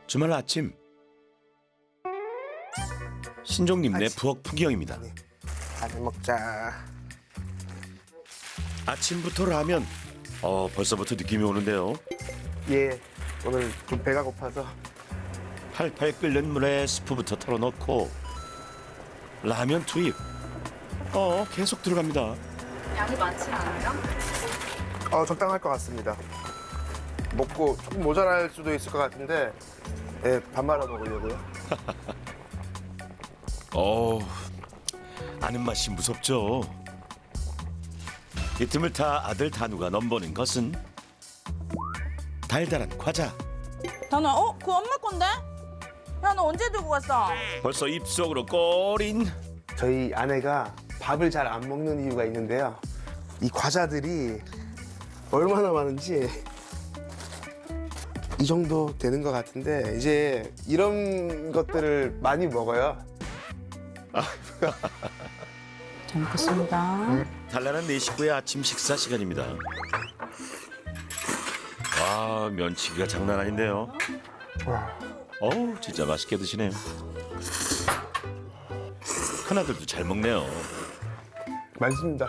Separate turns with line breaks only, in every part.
주말 아침 신종님네 부엌 풍경입니다.
라면 먹자.
아침부터 라면. 벌써부터 느낌이 오는데요.
예, 오늘 좀 배가 고파서.
팔팔 끓는 물에 스프부터 털어넣고 라면 투입. 계속 들어갑니다.
양이 많지 않아요?
적당할 것 같습니다. 먹고 조금 모자랄 수도 있을 것 같은데, 예, 밥 말아 먹으려고요.
아는 맛이 무섭죠. 이 틈을 타 아들 단우가 넘보는 것은 달달한 과자.
단우야, 그거 엄마 건데? 야, 너 언제 들고 갔어?
벌써 입속으로 꼬린.
저희 아내가 밥을 잘 안 먹는 이유가 있는데요. 이 과자들이 얼마나 많은지 이 정도 되는 것 같은데, 이제 이런 것들을 많이 먹어요.
잘 먹겠습니다.
단란한 네 식구의 아침 식사 시간입니다. 와, 면치기가 장난 아닌데요.
와,
진짜 맛있게 드시네요. 큰아들도 잘 먹네요.
맛있습니다.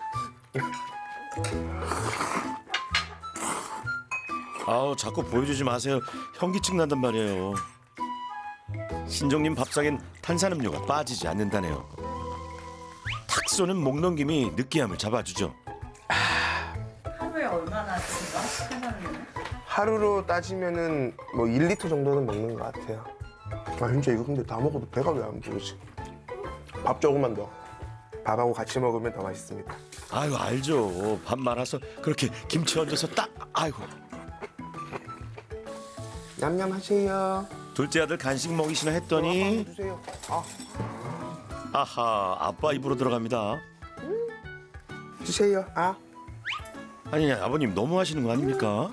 자꾸 보여주지 마세요. 현기증 난단 말이에요. 신종님 밥상엔 탄산음료가 빠지지 않는다네요. 탁 쏘는 목넘김이 느끼함을 잡아주죠.
하루에 얼마나 드세요? 탄산음료는?
하루로 따지면은 뭐 1리터 정도는 먹는 것 같아요. 진짜 이거 근데 다 먹어도 배가 왜 안 부르지? 밥 조금만 더. 밥하고 같이 먹으면 더 맛있습니다.
아유, 알죠. 밥 말아서 그렇게 김치 얹어서 딱. 아이고.
냠냠 하세요.
둘째 아들 간식 먹이시나 했더니
주세요.
아하, 아빠 입으로 들어갑니다.
주세요.
아니, 아버님 너무 하시는 거 아닙니까?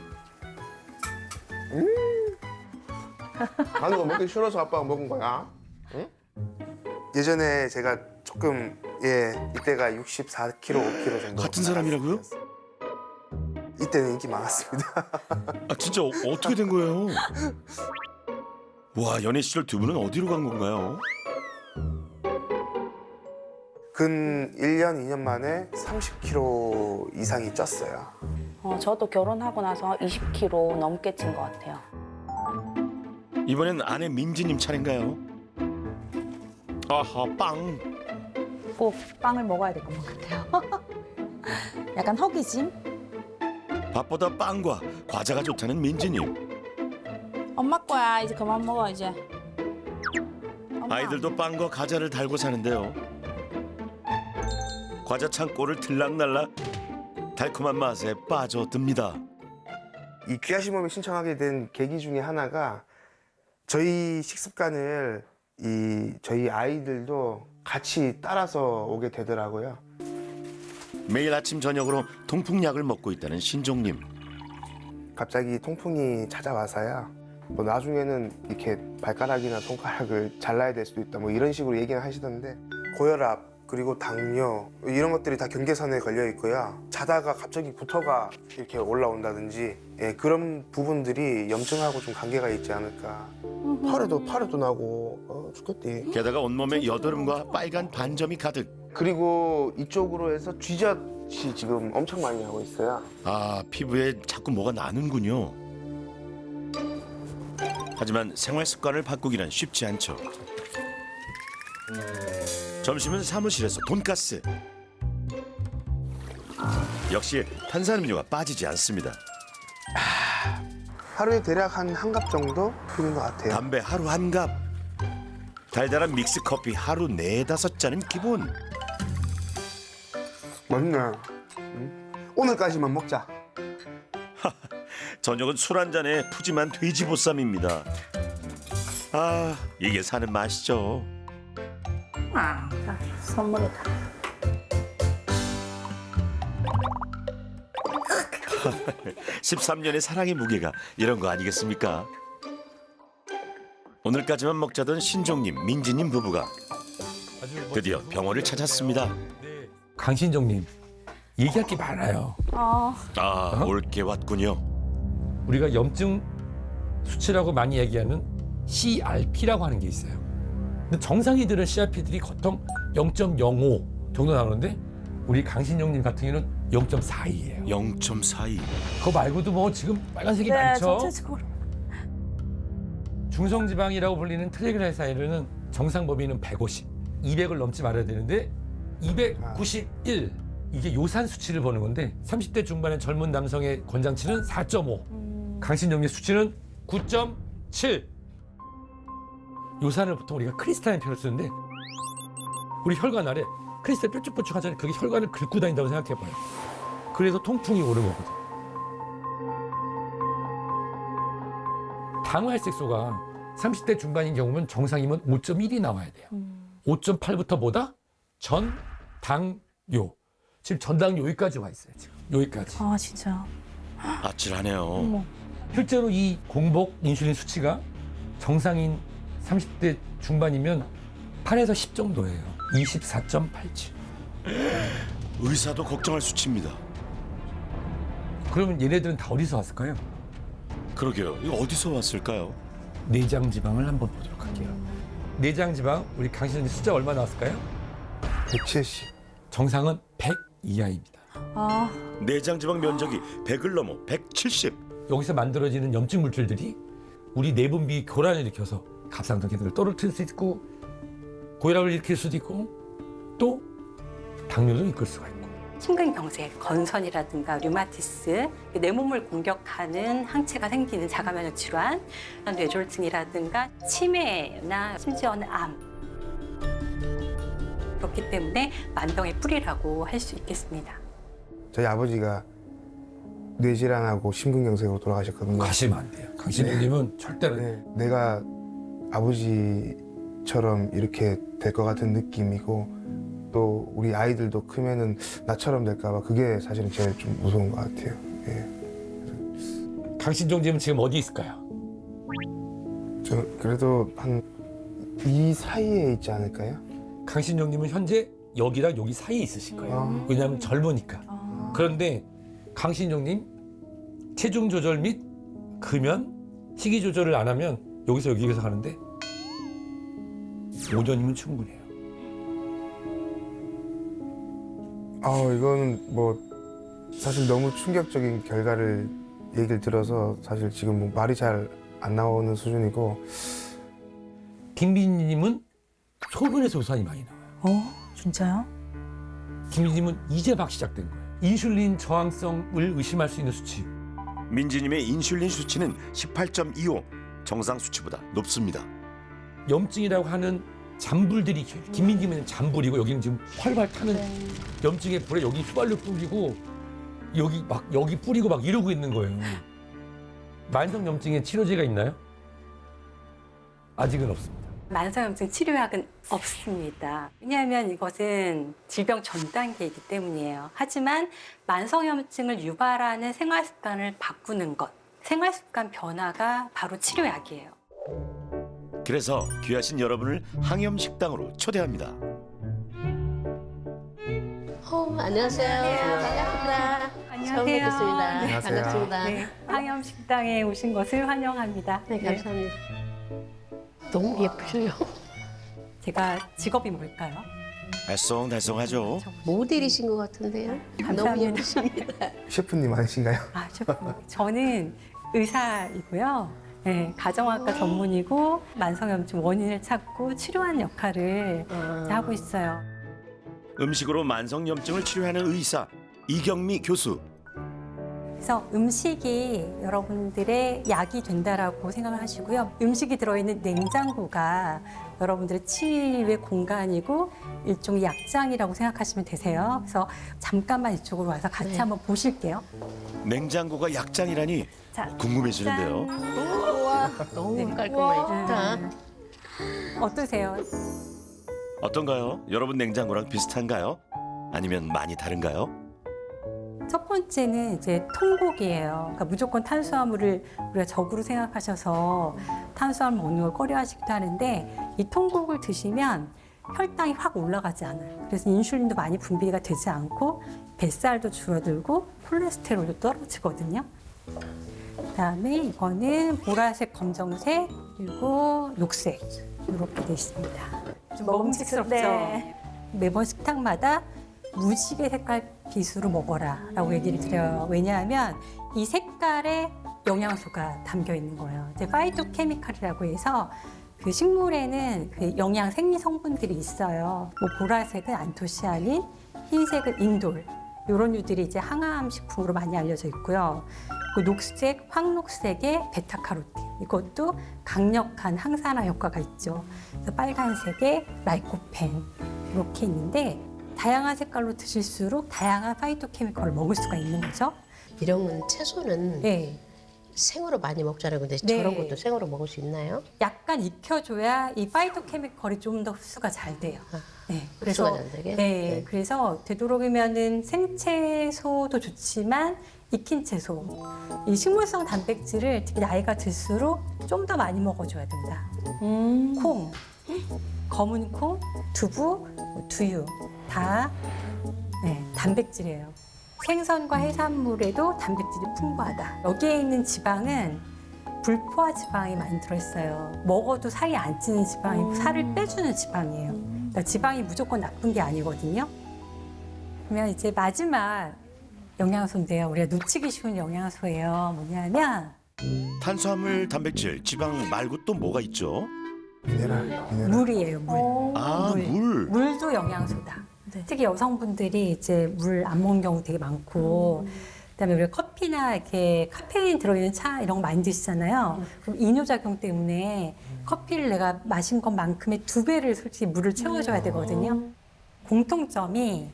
하는 거 먹기 싫어서 아빠가 먹은 거야. 응? 예전에 제가 조금 이때가 64kg, 5kg 정도.
같은 사람이라고요?
이때는 인기 많았습니다.
진짜 어떻게 된 거예요? 와, 연애 시절 두 분은 어디로 간 건가요?
근 1년, 2년 만에 30kg 이상이 쪘어요.
저도 결혼하고 나서 20kg 넘게 찐 것 같아요.
이번엔 아내 민지님 차례인가요? 아하, 빵.
꼭 빵을 먹어야 될 것 같아요. 약간 허기짐?
밥보다 빵과 과자가 좋다는 민지님.
엄마 거야. 이제 그만 먹어, 이제. 엄마.
아이들도 빵과 과자를 달고 사는데요. 과자 창고를 들락날락 달콤한 맛에 빠져듭니다.
이 귀하신 몸에 신청하게 된 계기 중에 하나가 저희 식습관을 저희 아이들도 같이 따라서 오게 되더라고요.
매일 아침 저녁으로 통풍약을 먹고 있다는 신종님.
갑자기 통풍이 찾아와서요. 뭐 나중에는 이렇게 발가락이나 손가락을 잘라야 될 수도 있다. 뭐 이런 식으로 얘기는 하시던데, 고혈압 그리고 당뇨 이런 것들이 다 경계선에 걸려 있고요. 자다가 갑자기 구토가 이렇게 올라온다든지, 그런 부분들이 염증하고 좀 관계가 있지 않을까. 팔에도 나고 죽겠대.
게다가 온몸에 여드름과 빨간 반점이 가득.
그리고 이쪽으로 해서 쥐젖이 지금 엄청 많이 나고 있어요.
피부에 자꾸 뭐가 나는군요. 하지만 생활 습관을 바꾸기란 쉽지 않죠. 점심은 사무실에서 돈가스. 역시 탄산음료가 빠지지 않습니다.
하루에 대략 한 갑 정도 피는 것 같아요.
담배 하루 한 갑. 달달한 믹스 커피 하루 4-5잔은 기본.
맞네. 오늘까지만 먹자.
저녁은 술 한 잔에 푸짐한 돼지보쌈입니다. 이게 사는 맛이죠.
선물이다.
13년의 사랑의 무게가 이런 거 아니겠습니까? 오늘까지만 먹자던 신종님, 민지님 부부가 드디어 병원을 찾았습니다.
강신정님, 얘기할 게 많아요.
올 게 왔군요.
우리가 염증 수치라고 많이 얘기하는 CRP라고 하는 게 있어요. 근데 정상이들은 CRP들이 보통 0.05 정도 나오는데 우리 강신영님 같은 경우는 0.42예요.
0.42.
그거 말고도 뭐 지금 빨간색이
네,
많죠.
전체적으로.
중성지방이라고 불리는 트라이글라이사이드는 정상 범위는 150, 200을 넘지 말아야 되는데 291 이게 요산 수치를 보는 건데 30대 중반의 젊은 남성의 권장치는 4.5, 강신정리 수치는 9.7. 요산을 보통 우리가 크리스탈린 표를 쓰는데 우리 혈관 아래 크리스탈 뾰족뾰족하잖아요. 그게 혈관을 긁고 다닌다고 생각해봐요. 그래서 통풍이 오는 거거든. 당활색소가 30대 중반인 경우면 정상이면 5.1이 나와야 돼요. 5.8부터 뭐다? 전당요. 지금 전당요 여기까지 와 있어요. 지금 여기까지.
아 진짜.
아찔하네요.
어머.
실제로 이 공복 인슐린 수치가 정상인 30대 중반이면 8에서 10 정도예요. 24.87.
의사도 걱정할 수치입니다.
그러면 얘네들은 다 어디서 왔을까요?
그러게요. 이거 어디서 왔을까요?
내장 지방을 한번 보도록 할게요. 내장 지방 우리 강신님 숫자 얼마 나왔을까요?
170.
정상은 100 이하입니다.
아
내장지방 면적이 100을 넘어 170.
여기서 만들어지는 염증 물질들이 우리 내분비 교란을 일으켜서 갑상선 기능을 떨어뜨릴 수 있고 고혈압을 일으킬 수도 있고 또 당뇨도 이끌 수가 있고.
심근경색, 건선이라든가 류마티스, 내 몸을 공격하는 항체가 생기는 자가면역 질환, 뇌졸중이라든가 치매나 심지어는 암. 그렇기 때문에 만병의 뿌리라고 할 수 있겠습니다.
저희 아버지가 뇌질환하고 심근경색으로 돌아가셨거든요.
가시면 안 돼요. 강신님은 절대로.
네, 내가 아버지처럼 이렇게 될 것 같은 느낌이고 또 우리 아이들도 크면은 나처럼 될까 봐 그게 사실은 제일 좀 무서운 것 같아요. 예.
강신종님은 지금 어디 있을까요?
저 그래도 한 이 사이에 있지 않을까요?
강신종님은 현재 여기랑 여기 사이에 있으실 거예요.
아.
왜냐하면 젊으니까.
아.
그런데 강신종님 체중 조절 및 금연, 식이 조절을 안 하면 여기서 여기에서 가는데 5년이면 충분해요.
이거는 뭐 사실 너무 충격적인 결과를 얘기를 들어서 사실 지금 뭐 말이 잘 안 나오는 수준이고.
김민희님은 소변에서 우산이 많이 나와요.
진짜요?
김민희님은 이제 막 시작된 거예요. 인슐린 저항성을 의심할 수 있는 수치.
민지님의 인슐린 수치는 18.25. 정상 수치보다 높습니다.
염증이라고 하는 잔불들이 김민희님은 잔불이고 여기는 지금 활발 타는 염증의 불에 여기 휘발유 뿌리고 여기 뿌리고 막 이러고 있는 거예요. 만성 염증에 치료제가 있나요? 아직은 없습니다.
만성염증 치료약은 없습니다. 왜냐하면 이것은 질병 전 단계이기 때문이에요. 하지만 만성염증을 유발하는 생활습관을 바꾸는 것, 생활습관 변화가 바로 치료약이에요.
그래서 귀하신 여러분을 항염식당으로 초대합니다.
안녕하세요. 반갑습니다. 처음 뵙겠습니다.
안녕하세요.
반갑습니다.
네, 항염식당에 오신 것을 환영합니다.
네, 감사합니다. 너무 예쁘셔요.
제가 직업이 뭘까요?
알쏭달쏭하죠.
모델이신 것 같은데요. 너무
감사합니다.
예쁘십니다.
셰프님 아니신가요?
아, 저는 의사이고요. 네, 가정학과 전문이고 만성염증 원인을 찾고 치료하는 역할을 하고 있어요.
음식으로 만성염증을 치료하는 의사 이경미 교수.
그래서 음식이 여러분들의 약이 된다라고 생각을 하시고요. 음식이 들어있는 냉장고가 여러분들의 치유의 공간이고 일종의 약장이라고 생각하시면 되세요. 그래서 잠깐만 이쪽으로 와서 같이
네.
한번 보실게요.
냉장고가 약장이라니
자,
궁금해지는데요.
우와, 너무
네.
깔끔하게 좋다.
어떠세요?
어떤가요? 여러분 냉장고랑 비슷한가요? 아니면 많이 다른가요?
첫 번째는 이제 통곡이에요. 그러니까 무조건 탄수화물을 우리가 적으로 생각하셔서 탄수화물 먹는 걸 꺼려하시기도 하는데 이 통곡을 드시면 혈당이 확 올라가지 않아요. 그래서 인슐린도 많이 분비가 되지 않고 뱃살도 줄어들고 콜레스테롤도 떨어지거든요. 그다음에 이거는 보라색, 검정색, 그리고 녹색 이렇게 돼 있습니다. 좀 먹음직스럽죠?
네.
매번 식탁마다 무지개 색깔 빗으로 먹어라라고 얘기를 드려요. 왜냐하면 이 색깔에 영양소가 담겨 있는 거예요. 이제 파이토케미칼이라고 해서 그 식물에는 그 영양 생리 성분들이 있어요. 뭐 보라색은 안토시아닌, 흰색은 인돌. 이런 류들이 이제 항암 식품으로 많이 알려져 있고요. 그 녹색, 황록색의 베타카로틴. 이것도 강력한 항산화 효과가 있죠. 그래서 빨간색의 라이코펜 이렇게 있는데 다양한 색깔로 드실수록 다양한 파이토케미컬을 먹을 수가 있는 거죠.
이런 채소는
네.
생으로 많이 먹잖아요. 근데
네.
저런 것도 생으로 먹을 수 있나요?
약간 익혀줘야 이 파이토케미컬이 좀 더 흡수가 잘 돼요. 네,
흡수가 잘 되게? 네.
그래서 되도록이면은 생채소도 좋지만 익힌 채소, 이 식물성 단백질을 특히 나이가 들수록 좀 더 많이 먹어줘야 된다. 콩, 검은 콩, 두부, 두유 다 단백질이에요. 생선과 해산물에도 단백질이 풍부하다. 여기에 있는 지방은 불포화 지방이 많이 들어있어요. 먹어도 살이 안 찌는 지방이고 살을 빼주는 지방이에요. 그러니까 지방이 무조건 나쁜 게 아니거든요. 그러면 이제 마지막 영양소인데요. 우리가 놓치기 쉬운 영양소예요. 뭐냐면
탄수화물, 단백질, 지방 말고 또 뭐가 있죠?
미네랄.
물이에요. 물.
아, 물.
물도 영양소다. 특히 여성분들이 이제 물 안 먹는 경우 되게 많고, 그다음에 우리가 커피나 이렇게 카페인 들어있는 차 이런 거 많이 드시잖아요. 그럼 이뇨작용 때문에 커피를 내가 마신 것만큼의 2배를 솔직히 물을 채워줘야 되거든요. 공통점이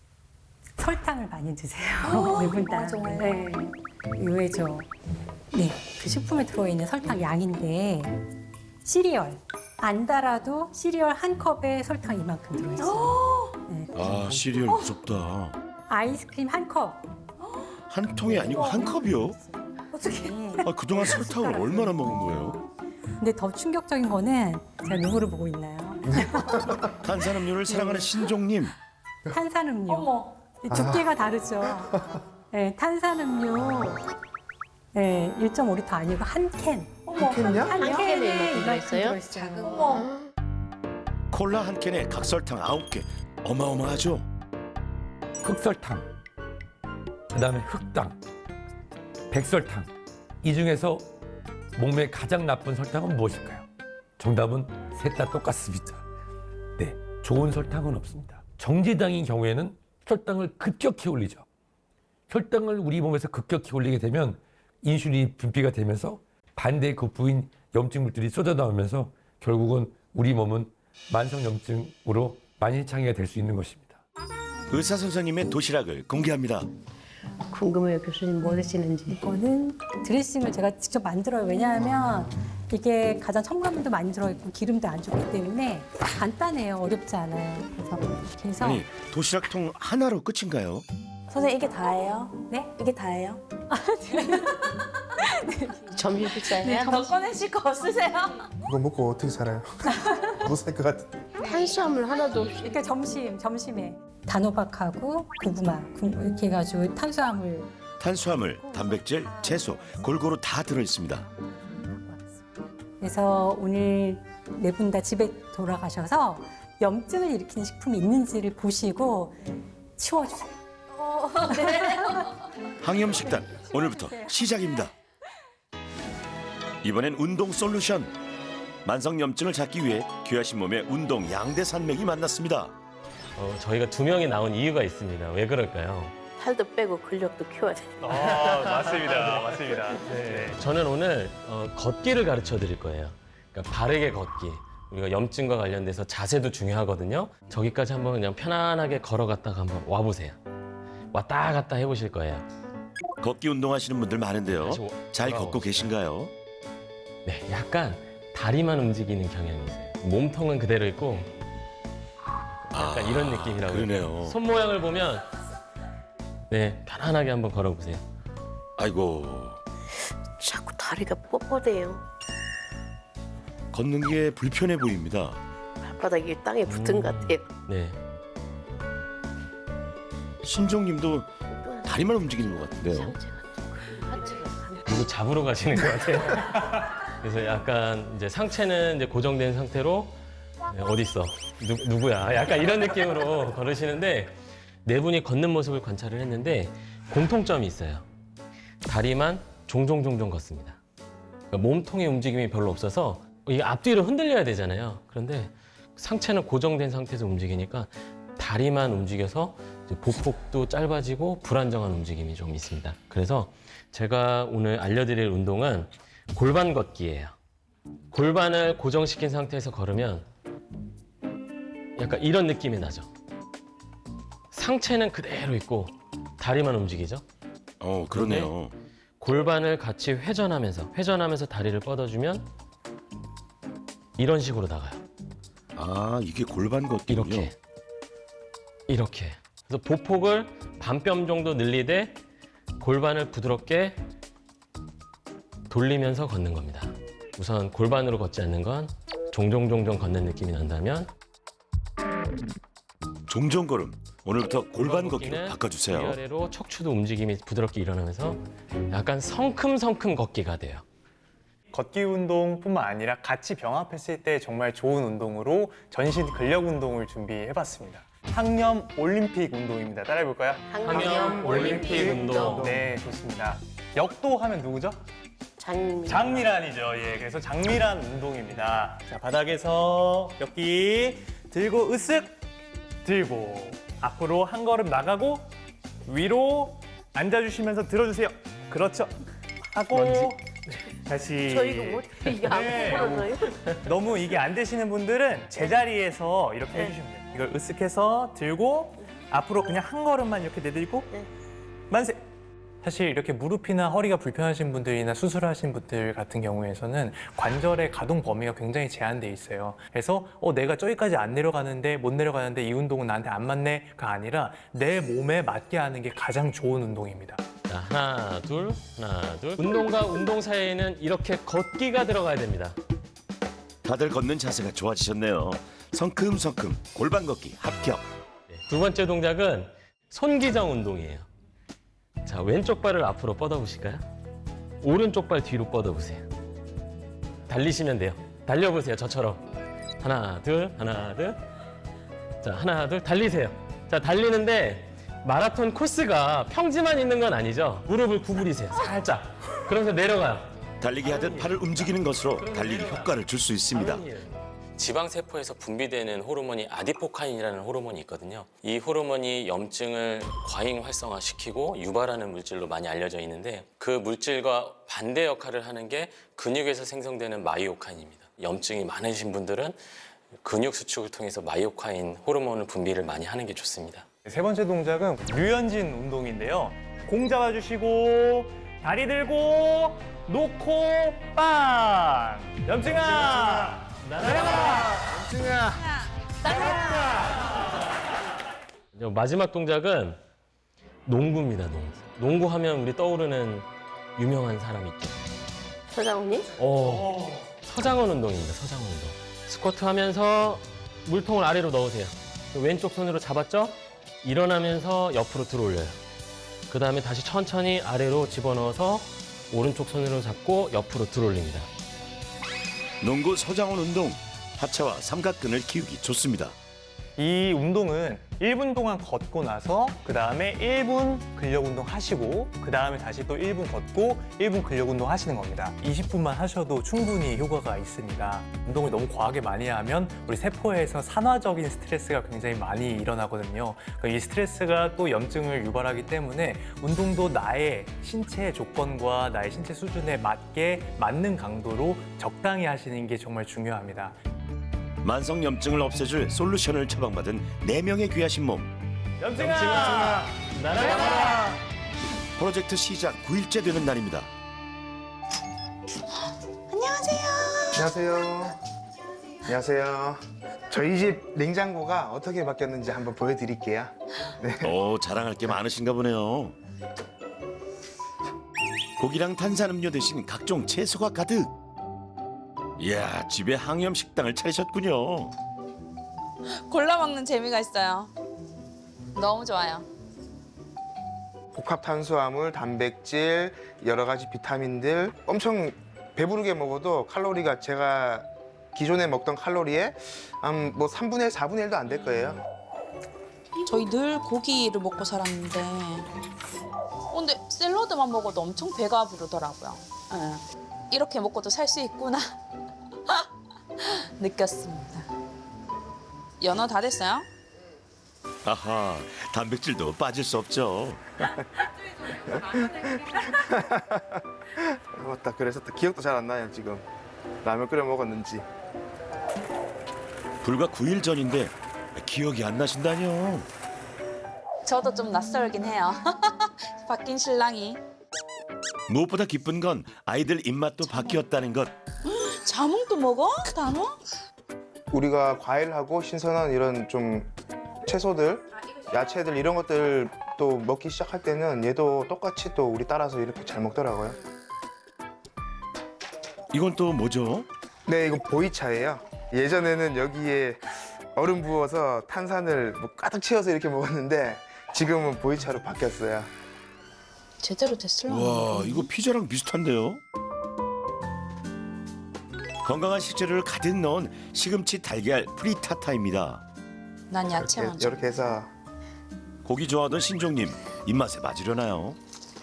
설탕을 많이 드세요. 네 분 다.
맞아요.
네. 의외죠. 네, 그 식품에 들어있는 설탕 양인데 시리얼 안 달아도 시리얼 한 컵에 설탕 이만큼 들어있어요. 네.
아, 시리얼 무섭다.
아이스크림 한 컵.
한 통이 아니고 한 컵이요?
어떻게?
아, 그동안 설탕을 얼마나 먹은 거예요?
근데 더 충격적인 거는 제가 누구를 보고 있나요?
탄산음료를 사랑하는 신종님.
탄산음료.
어머.
두께가 다르죠. 네, 탄산음료. 네, 1.5리터 아니고 한 캔.
어머.
캔이야?
한
캔에
캔에
이만큼
이만큼
들어있어요?
들어있어요.
어머.
콜라 한 캔에 각설탕 9개. 어마어마하죠?
흑설탕, 그다음에 흑당, 백설탕. 이 중에서 몸에 가장 나쁜 설탕은 무엇일까요? 정답은 셋 다 똑같습니다. 네, 좋은 설탕은 없습니다. 정지당인 경우에는 혈당을 급격히 올리죠. 혈당을 우리 몸에서 급격히 올리게 되면 인슐린이 분비가 되면서 반대 그 부인 염증물들이 쏟아나오면서 결국은 우리 몸은 만성염증으로 만신창이가 될 수 있는 것입니다.
의사 선생님의 도시락을 공개합니다.
궁금해요. 교수님 뭐 드시는지.
이거는 드레싱을 제가 직접 만들어요. 왜냐하면 이게 가장 첨가물도 많이 들어있고 기름도 안 좋기 때문에 간단해요. 어렵지 않아요. 그래서 이렇게 해서
아니, 도시락통 하나로 끝인가요?
선생님 이게 다예요?
네?
이게 다예요?
점심 식사예요?
더 꺼내실 거 없으세요?
그거 먹고 어떻게 살아요? 못 살 것 같아.
탄수화물 하나도 없이.
그러니까 점심에 단호박하고 고구마 이렇게 해가지고 탄수화물
탄수화물, 단백질, 채소 골고루 다 들어있습니다.
그래서 오늘 네 분 다 집에 돌아가셔서 염증을 일으키는 식품이 있는지를 보시고 치워주세요.
항염식단 오늘부터 시작입니다. 이번엔 운동 솔루션. 만성염증을 잡기 위해 귀하신 몸에 운동 양대 산맥이 만났습니다.
저희가 2명이 나온 이유가 있습니다. 왜 그럴까요?
살도 빼고 근력도 키워야 돼.
맞습니다. 맞습니다. 저는 오늘 걷기를 가르쳐 드릴 거예요. 그러니까 바르게 걷기. 우리가 염증과 관련돼서 자세도 중요하거든요. 저기까지 한번 그냥 편안하게 걸어갔다가 한번 와보세요. 왔다 갔다 해보실 거예요.
걷기 운동하시는 분들 많은데요.
다시
잘
돌아오시죠.
걷고 계신가요?
네, 약간 다리만 움직이는 경향이 있어요. 몸통은 그대로 있고 약간 이런 느낌이라고.
그러네요.
손 모양을 보면 네, 편안하게 한번 걸어보세요.
아이고,
자꾸 다리가 뻣뻣해요.
걷는 게 불편해 보입니다.
발바닥이 땅에 붙은 것 같아요.
네.
신종님도 다리만 움직이는 것 같은데요.
상체가 하체가
누구 잡으러 가시는 것 같아요. 그래서 약간 이제 상체는 이제 고정된 상태로 어디 있어? 누구야? 약간 이런 느낌으로 걸으시는데 네 분이 걷는 모습을 관찰을 했는데 공통점이 있어요. 다리만 종종 걷습니다. 그러니까 몸통의 움직임이 별로 없어서 이게 앞뒤로 흔들려야 되잖아요. 그런데 상체는 고정된 상태에서 움직이니까 다리만 움직여서 이제 보폭도 짧아지고 불안정한 움직임이 좀 있습니다. 그래서 제가 오늘 알려드릴 운동은 골반 걷기예요. 골반을 고정시킨 상태에서 걸으면 약간 이런 느낌이 나죠. 상체는 그대로 있고 다리만 움직이죠.
그러네요.
골반을 같이 회전하면서 다리를 뻗어주면 이런 식으로 나가요.
아, 이게 골반 걷기군요.
이렇게. 그래서 보폭을 반뼘 정도 늘리되 골반을 부드럽게 돌리면서 걷는 겁니다. 우선 골반으로 걷지 않는 건 종종 걷는 느낌이 난다면
종종 걸음. 오늘부터 골반 걷기로
걷기는
바꿔주세요.
위아래로 척추도 움직임이 부드럽게 일어나면서 약간 성큼성큼 걷기가 돼요.
걷기 운동뿐만 아니라 같이 병합했을 때 정말 좋은 운동으로 전신 근력 운동을 준비해봤습니다. 항염 올림픽 운동입니다. 따라해볼까요?
항염 올림픽 운동.
네, 좋습니다. 역도 하면 누구죠? 장미란이죠. 예, 그래서 장미란 운동입니다. 자, 바닥에서 역기 들고 으쓱 들고 앞으로 한 걸음 나가고 위로 앉아주시면서 들어주세요. 그렇죠. 하고 다시.
저 이거 못해. 이게 안
네.
풀어져요.
너무 이게 안 되시는 분들은 제자리에서 이렇게 해주시면 돼요. 이걸 으쓱해서 들고 앞으로 그냥 한 걸음만 이렇게 내들고
네.
만세. 사실 이렇게 무릎이나 허리가 불편하신 분들이나 수술하신 분들 같은 경우에는 관절의 가동 범위가 굉장히 제한돼 있어요. 그래서 내가 저기까지 안 내려가는데 못 내려가는데 이 운동은 나한테 안 맞네가 아니라 내 몸에 맞게 하는 게 가장 좋은 운동입니다.
자, 하나, 둘. 운동과 운동 사이에는 이렇게 걷기가 들어가야 됩니다.
다들 걷는 자세가 좋아지셨네요. 성큼성큼 골반 걷기 합격.
두 번째 동작은 손기정 운동이에요. 자, 왼쪽 발을 앞으로 뻗어보실까요? 오른쪽 발 뒤로 뻗어보세요. 달리시면 돼요. 달려보세요, 저처럼. 하나, 둘. 자, 하나, 둘. 달리세요. 자, 달리는데 마라톤 코스가 평지만 있는 건 아니죠. 무릎을 구부리세요, 살짝. 그러면서 내려가요.
달리기 하듯 팔을 움직이는 것으로 달리기 효과를 줄 수 있습니다.
지방세포에서 분비되는 호르몬이 아디포카인이라는 호르몬이 있거든요. 이 호르몬이 염증을 과잉 활성화시키고 유발하는 물질로 많이 알려져 있는데 그 물질과 반대 역할을 하는 게 근육에서 생성되는 마이오카인입니다. 염증이 많으신 분들은 근육 수축을 통해서 마이오카인 호르몬을 분비를 많이 하는 게 좋습니다.
세 번째 동작은 류현진 운동인데요. 공 잡아주시고 다리 들고 놓고 빵! 염증아! 날아가! 염증아!
마지막 동작은 농구입니다, 농구. 농구하면 우리 떠오르는 유명한 사람 있죠.
서장훈님?
서장훈 운동입니다, 서장훈 운동. 스쿼트 하면서 물통을 아래로 넣으세요. 왼쪽 손으로 잡았죠? 일어나면서 옆으로 들어올려요. 그 다음에 다시 천천히 아래로 집어넣어서 오른쪽 손으로 잡고 옆으로 들어올립니다.
농구 서장훈 운동. 하체와 삼각근을 키우기 좋습니다.
이 운동은 1분 동안 걷고 나서 그 다음에 1분 근력 운동 하시고 그 다음에 다시 또 1분 걷고 1분 근력 운동 하시는 겁니다. 20분만 하셔도 충분히 효과가 있습니다. 운동을 너무 과하게 많이 하면 우리 세포에서 산화적인 스트레스가 굉장히 많이 일어나거든요. 이 스트레스가 또 염증을 유발하기 때문에 운동도 나의 신체 조건과 나의 신체 수준에 맞는 강도로 적당히 하시는 게 정말 중요합니다.
만성 염증을 없애줄 솔루션을 처방받은 4명의 귀하신 몸.
염증아! 날아가라!
프로젝트 시작 9일째 되는 날입니다.
안녕하세요. 저희 집 냉장고가 어떻게 바뀌었는지 한번 보여드릴게요.
오, 자랑할 게 많으신가 보네요. 고기랑 탄산음료 대신 각종 채소가 가득. 이야, 집에 항염 식당을 차리셨군요.
골라 먹는 재미가 있어요. 너무 좋아요.
복합 탄수화물, 단백질, 여러 가지 비타민들 엄청 배부르게 먹어도 칼로리가 제가 기존에 먹던 칼로리에 한 뭐 3분의 1, 4분의 1도 안 될 거예요.
저희 늘 고기를 먹고 살았는데 근데 샐러드만 먹어도 엄청 배가 부르더라고요. 예. 이렇게 먹고도 살 수 있구나 느꼈습니다. 연어 다 됐어요?
아하, 단백질도 빠질 수 없죠.
맞다. 그래서 또 기억도 잘 안 나요, 지금. 라면 끓여 먹었는지.
불과 9일 전인데 기억이 안 나신다뇨.
저도 좀 낯설긴 해요. 바뀐 신랑이.
무엇보다 기쁜 건 아이들 입맛도 바뀌었다는 것.
자몽도 먹어? 단어?
우리가 과일하고 신선한 이런 좀 채소들, 야채들 이런 것들 또 먹기 시작할 때는 얘도 똑같이 또 우리 따라서 이렇게 잘 먹더라고요.
이건 또 뭐죠?
네, 이거 보이차예요. 예전에는 여기에 얼음 부어서 탄산을 뭐 가득 채워서 이렇게 먹었는데 지금은 보이차로 바뀌었어요.
제대로 됐을라.
와, 이거 피자랑 비슷한데요? 건강한 식재료를 가득 넣은 시금치 달걀 프리타타입니다.
난 야채 먼저.
이렇게 해서
고기 좋아하던 신종님 입맛에 맞으려나요?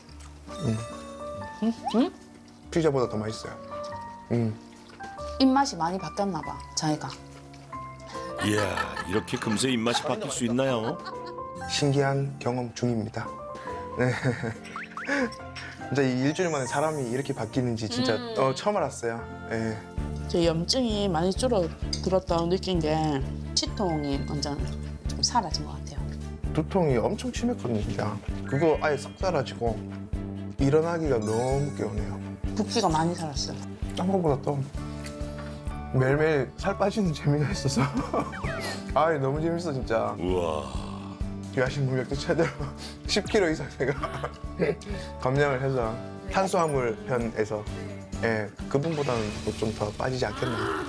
피자보다 더 맛있어요.
입맛이 많이 바뀌었나 봐, 저희가.
이야, 이렇게 금세 입맛이 바뀔 수 있나요?
신기한 경험 중입니다. 네. 진짜 이 일주일 만에 사람이 이렇게 바뀌는지 진짜 처음 알았어요. 네.
제 염증이 많이 줄어들었다고 느낀 게 치통이 완전 좀 사라진 것 같아요.
두통이 엄청 심했거든요, 진짜. 그거 아예 싹 사라지고 일어나기가 너무 개운해요.
붓기가 많이 살았어요.
딴 거보다 또 매일매일 살 빠지는 재미가 있어서 아 너무 재밌어 진짜.
우와.
야식 물력도 제대로 10kg 이상 제가 감량을 해서 탄수화물 편에서 그분보다는 좀 더 빠지지 않겠나.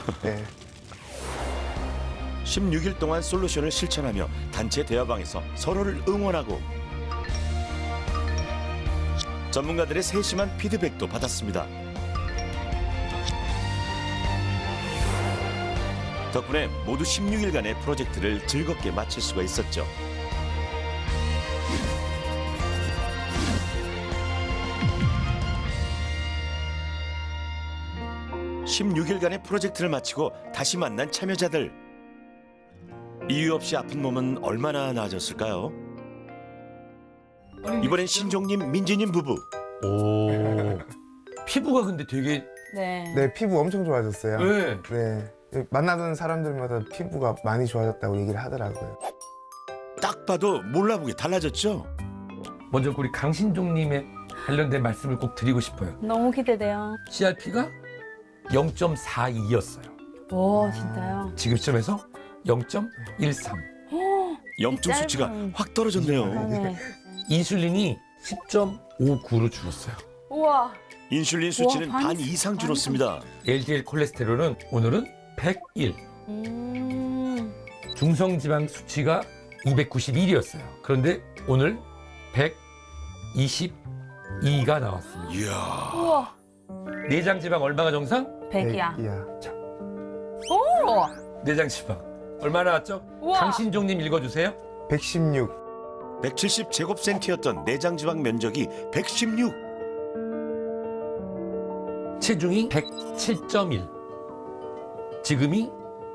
16일 동안 솔루션을 실천하며 단체 대화방에서 서로를 응원하고 전문가들의 세심한 피드백도 받았습니다. 덕분에 모두 16일간의 프로젝트를 즐겁게 마칠 수가 있었죠. (16일간의) 프로젝트를 마치고 다시 만난 참여자들. 이유 없이 아픈 몸은 얼마나 나아졌을까요? 이번엔 신종님, 민지님 부부.
오. 피부가 근데 되게
네.
네, 피부 엄청 좋아졌어요.
네.
네. 만나던 사람들마다 피부가 많이 좋아졌다고 얘기를 하더라고요.
딱 봐도 몰라보게 달라졌죠?
먼저 우리 강신종님의 관련된 말씀을 꼭 드리고 싶어요.
너무 기대돼요.
CRP가 0.42였어요.
오, 진짜요?
지금 시점에서 0.13.
염증 수치가
짧은-
확 떨어졌네요.
네.
인슐린이 10.59로 줄었어요.
우와.
인슐린 수치는
반
반 이상 줄었습니다.
LDL 콜레스테롤은 오늘은 101. 중성지방 수치가 291이었어요. 그런데 오늘 122가 나왔습니다.
이야.
우와.
내장 지방 얼마가 정상?
100이야.
오!
내장 지방 얼마 나왔죠?
우와.
강신종님 읽어주세요.
116.
170제곱센티였던 내장 지방 면적이 116.
체중이 107.1. 지금이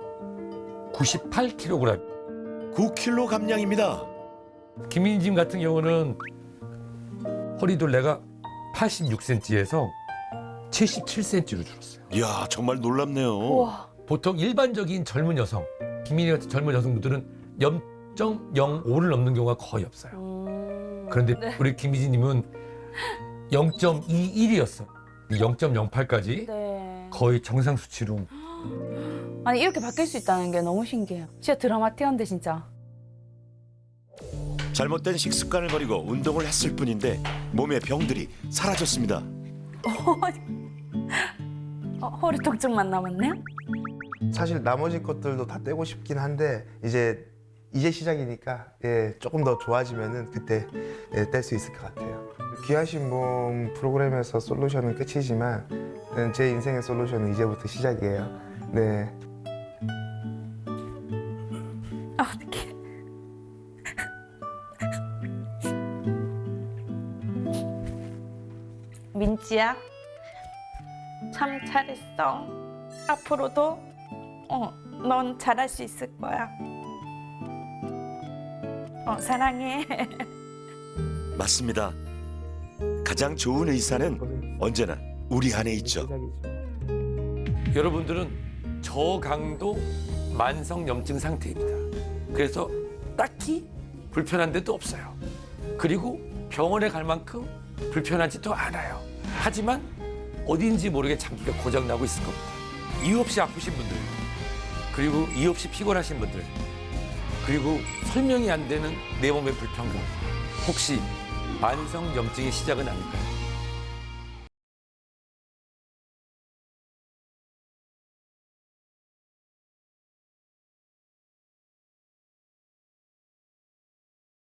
98kg.
9kg 감량입니다.
김민진 같은 경우는 허리둘레가 86cm에서 77cm로 줄었어요.
이야, 정말 놀랍네요.
우와.
보통 일반적인 젊은 여성, 김민희 같은 젊은 여성분들은 0.05를 넘는 경우가 거의 없어요. 그런데
네.
우리 김민지님은 0.21이었어. 0.08까지
네.
거의 정상 수치로.
아니 이렇게 바뀔 수 있다는 게 너무 신기해요. 진짜 드라마틱한데 진짜.
잘못된 식습관을 버리고 운동을 했을 뿐인데 몸의 병들이 사라졌습니다.
허리 통증만 남았네요?
사실 나머지 것들도 다 떼고 싶긴 한데 이제 이제 시작이니까 예, 조금 더 좋아지면은 그때 예, 뗄 수 있을 것 같아요. 귀하신 몸 프로그램에서 솔루션은 끝이지만 제 인생의 솔루션은 이제부터 시작이에요. 네.
어떡해.
민지야, 참 잘했어. 앞으로도 넌 잘할 수 있을 거야. 사랑해.
맞습니다. 가장 좋은 의사는 언제나 우리 안에 있죠.
여러분들은 저강도 만성염증 상태입니다. 그래서 딱히 불편한 데도 없어요. 그리고 병원에 갈 만큼 불편하지도 않아요. 하지만 어딘지 모르게 장기가 고장나고 있을 겁니다. 이유 없이 아프신 분들, 그리고 이유 없이 피곤하신 분들, 그리고 설명이 안 되는 내 몸의 불평등, 혹시 만성염증의 시작은 아닐까요?